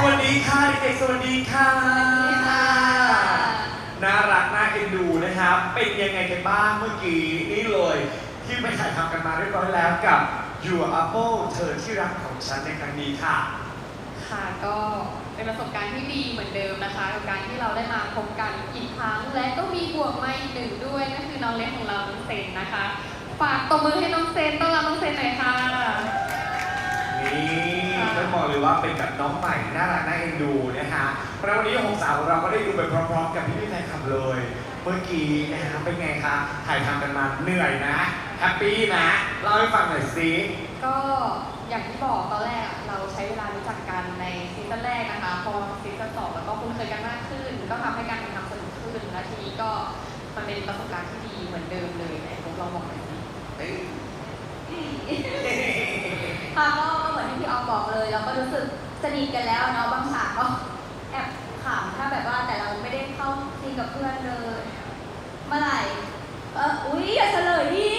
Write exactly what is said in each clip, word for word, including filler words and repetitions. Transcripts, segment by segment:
วัสดีค่ะเด็กๆสวัสดีค่ะน่ารักน่าเอ็นดูนะครับเป็นยังไงกันบ้างเมื่อกี้นี่เลยที่ไปถ่ายทำกันมาเรียบร้อยแล้วกับ Your Apple เธอที่รักของฉันในครั้งนี้ค่ะค่ะก็เป็นประสบการณ์ที่ดีเหมือนเดิมนะคะกับการที่เราได้มาพบกันอีกครั้งและก็มีบวกมาอีกหนึ่งด้วยก็คือน้องเล็กของเราน้องเซนนะคะฝากตบมือให้น้องเซนต้อนรับน้องเซนหน่อยค่ะนี่ต้องบอกเลยว่าเป็นกับน้องใหม่น่ารักน่าเอ็นดูนะฮะเพราะวันนี้หกสาวของเราก็ได้ดูไปพร้อมๆกับพี่พี่แฟนคลับเลยเมื่อกี้นะฮะเป็นไงคะถ่ายทำกันมาเหนื่อยนะแฮปปี้นะเล่าให้ฟังหน่อยสิก็อย่างที่บอกตอนแรกเราใช้เวลารู้จักกันในซีซั่นแรกนะคะพอซีซั่นสองแล้วก็คุ้นเคยกันมากขึ้นก็ทำให้การถ่ายทำสนุกขึ้นและทีนี้ก็มันเป็นประสบการณ์ที่ดีเหมือนเดิมเลยไหนผมลองบอกหน่อยสิค่ะก็เหมือนที่พี่ออฟบอกเลยเราก็รู้สึกสนิทกันแล้วเนาะบางฉากก็แอบขำถ้าแบบว่าแต่เราไม่ได้เข้าซีนกับเพื่อนเลยเมื่อไหร่เอออุ๊ยอย่าเฉลยดิ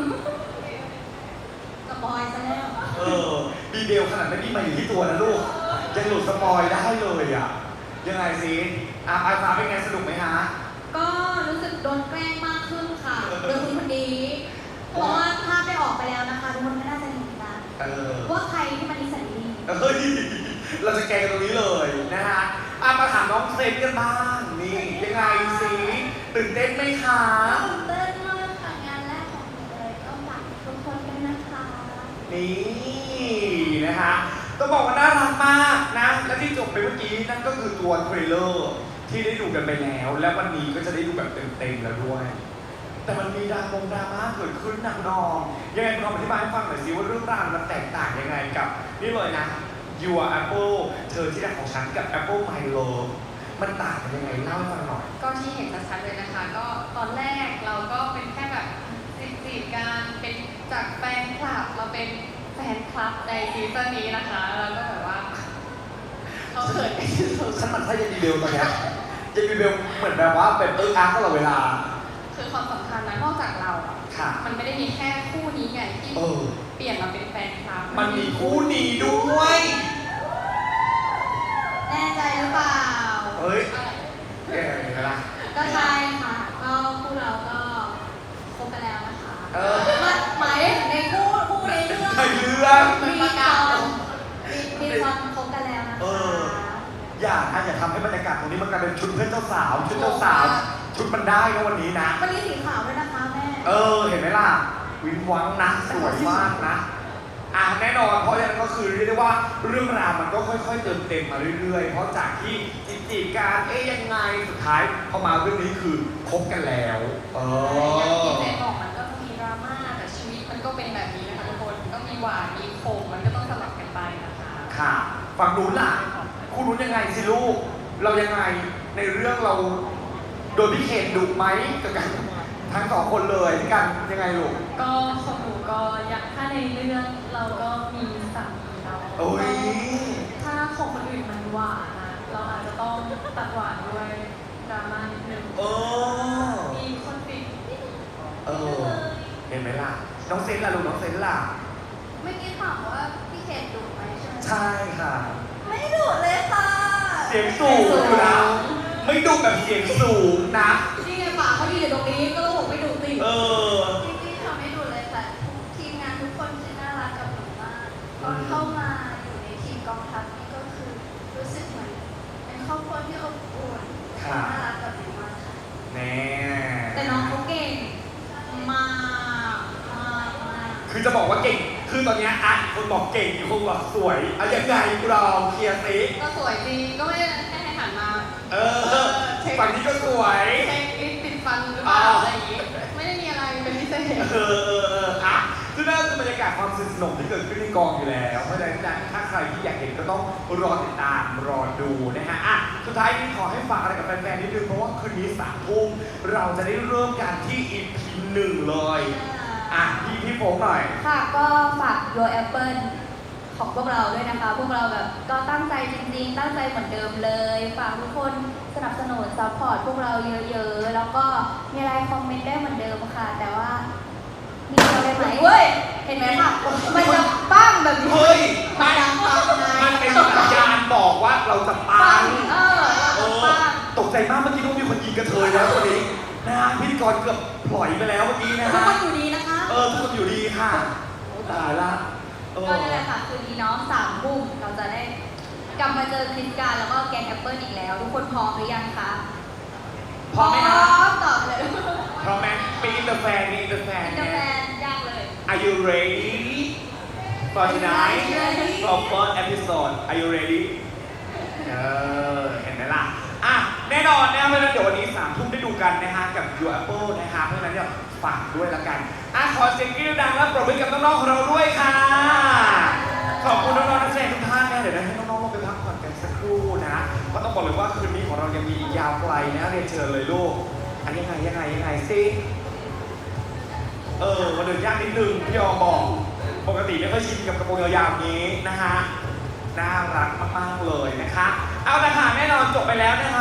สปอยซะแล้วเออบีเบลขนาดไม่มีมาอยู่ที่ตัวนะลูกยังหลุดสปอยได้เลยอ่ะยังไงสิอาอาฟ้าเป็นไงสนุกไหมฮะก็รู้สึกโดนแกล้งมากขึ้นค่ะโดยคุณคนนี้เพราะว่าภาพได้ออกไปแล้วนะคะทุกคนก็น่าจะเห็นกันว่าใครที่มันนิสัยดีเฮ้ยเราจะแกงตรงนี้เลยนะฮะอามาถามน้องเซนกันบ้างนี่ยังไงสิตื่นเต้นไหมคะตื่นเต้นมากค่ะงานแรกของหนูเลยก็ฝากทุกคนด้วยนะคะนี่นะคะต้องบอกว่าน่ารักมากนะและที่จบไปเมื่อกี้นั่นก็คือตัวเทรลเลอร์ที่ได้ดูกันไปแล้วและวันนี้ก็จะได้ดูแบบเต็มๆแล้วด้วยแต่มันมีดราม่าดราม่าเกิดขึ้นหนักหน่วงยังไงคุณลองอธิบายให้ฟังหน่อยสิว่าเรื่องราวมันแตกต่างยังไงกับนี่เลยนะ Your Apple เธอที่รักของฉันกับ Apple My Love มันต่างกันยังไงเล่าให้ฟังหน่อยก็ที่เห็นชัดๆเลยนะคะก็ตอนแรกเราก็เป็นแค่แบบจีบๆกันเป็นจากแฟนคลับเราเป็นแฟนคลับในซีซั่นนี้นะคะแล้วก็แบบว่าเขาเขินฉันมันใช่ยังมีเบลตอนนี้ยังมีเบลเหมือนแบบว่าเป็นเอิร์กอาร์ตตลอดเวลาคือความสำคัญนะนอกจากเราอ่ะมันไม่ได้มีแค่คู่นี้ไงที่เปลี่ยนมาเป็นแฟนคลับมันมีคู่นี้ด้วยแน่ใจหรือเปล่าเฮ้ยเอ๊ะเห็นไหมล่ะก็ใช่ค่ะก็คู่เราก็คบกันแล้วนะคะเออหมายในคู่คู่ในเรื่องในเรื่องมีประกาศมีคนคบกันแล้วนะคะอย่านะอย่าทำให้บรรยากาศตรงนี้มันกลายเป็นชุดเพื่อนเจ้าสาวชุดเจ้าสาวชุดมันได้นะวันนี้นะมันมีสีขาวด้วยนะคะแม่เออเห็นไหมล่ะวิ้งวังนะสวยมากนะอ่ะแน่นอนเพราะฉะนั้นก็คือเรียกได้ว่าเรื่องราวมันก็ค่อยๆเติมเต็มมาเรื่อยๆเพราะจากที่จีบกันเอ๊ยยังไงสุดท้ายพอมาเรื่องนี้คือคบกันแล้วเอออย่างที่เจนบอกมันก็จะมีดราม่าแต่ชีวิตมันก็เป็นแบบนี้นะคะทุกคนก็มีหวานมีขมมันก็ต้องสลับกันไปนะคะค่ะฝั่งนู้นล่ะคุณนู้นยังไงสิลูกเรายังไงในเรื่องเราโดนพี่เคนดุไหมกับกันทั้งสองคนเลยที่กันยังไงลูกก็ของหนูก็อยากถ้าในเรื่องเราก็มีสามีเราโอ้ยถ้าของคนอื่นมันหวานนะเราอาจจะต้องตัดหวานด้วยดราม่านิดนึงโอ้มีคนติดเออเห็นไหมล่ะน้องเซนล่ะลูกน้องเซนล่ะเมื่อกี้ถามว่าพี่เคนดุไหมใช่ไหมใช่ค่ะไม่ดุเลยค่ะเสียงสูงอยู่นะไม่ดุแบบเสียงสูงนะนี่ไงปากเขาดีอยู่ตรงนี้ก็บอกไม่ดุติเออจริงๆทำไม่ดุเลยแต่ทีมงานทุกคนที่น่ารักกับหนูมากตอนเข้ามาอยู่ในทีมกองทัพนี่ก็คือรู้สึกเหมือนเป็นครอบครัวที่อบอุ่นน่ารักกับหนูมากค่ะแน่แต่น้องเขาเก่งมากมากมากคือจะบอกว่าเก่งคือตอนนี้อ่ะคนบอกเก่งอีกคนบอกสวยเอายังไงเราเคลียร์ซิก็สวยจริงก็ไม่แค่ให้หันมาเออฝั่งนี้ก็สวยเช็คลิสติดฟันหรือเปล่าอะไรอย่างงี้ไม่ได้มีอะไรเป็นพิเศษเออเออเอออ่ะซึ่งนั่นคือบรรยากาศความสนุกสนานที่เกิดขึ้นในกองอยู่แล้วเพราะฉะนั้นถ้าใครที่อยากเห็นก็ต้องรอติดตามรอดูนะฮะอ่ะสุดท้ายนี้ขอให้ฝากอะไรกับแฟนๆนิดนึงเพราะว่าคืนนี้สามทุ่มเราจะได้เริ่มกันที่ อี พี หนึ่งเลยอ่ะพี่พี่โฟงหน่อยค่ะก็ฝาก Your Apple ของพวกเราด้วยนะคะพวกเราแบบก็ตั้งใจจริงๆตั้งใจเหมือนเดิมเลยฝากทุกคนสนับสนุนซัพพอร์ตพวกเราเยอะๆแล้วก็มีอะไรคอมเมนต์ได้เหมือนเดิมค่ะแต่ว่ามีอะไรไหมเว้ยเห็นไหมค่ะมันจะปั้งแบบนี้เฮ้ยมันมันเป็นสัญญาณบอกว่าเราจะปัปังงเออเอเราอปังตกใจมากเมื่อกี้ว่ามีคนยิงกระเทยแล้ววันนี้นะฮะพิธีกรเกือบปล่อยไปแล้วเมื่อกี้นะทุกฮะคนอยู่ดีนะคะเออทุกคนอยู่ดีค่ะโอ้ตายละเออก็นั่นแหละค่ะคืนนี้เนาะสามทุ่มเราจะได้กลับมาเจอคริสการแล้วก็แกงแอปเปิลอีกแล้ว ทุกคนพร้อมหรือยังคะพร้อมไหมพคะร้อมตอบเลยพร้อมไหมมีอินเตอร์แฟนมีอินเตอร์แฟนอินเตอร์แฟนยากเลย Are you ready for tonight for first episode Are you ready เออเห็นไหมล่ะอ่ะแน่นอนนะเพราะฉะนั้นเดี๋ยววันนี้สามทุ่มได้ดูกันนะฮะกับ Your Apple นะฮะเพราะฉะนั้นเดี๋ยวฝากด้วยละกันอ่ะขอเสียงกรี๊ดดังและปรบมือกับน้องๆของเราด้วยค่ะ ขอบคุณน้องๆนักแสดงทุกท่านนะเดี๋ยวให้น้องๆลงไปพักผ่อนกันสักครู่นะก็ต้องบอกเลยว่าคืนนี้ของเรายังมีอีกยาวไกลนะเรียนเชิญเลยลูกอันยังไงยังไงยังไงสิเออวันเดินยากนิดนึงพี่ยอมบอกปกติไม่ค่อยชินกับกระโปรงยาวๆนี้นะฮะน่ารักมากๆเลยนะคะเอาละค่ะแน่นอนจบไปแล้วนะคะ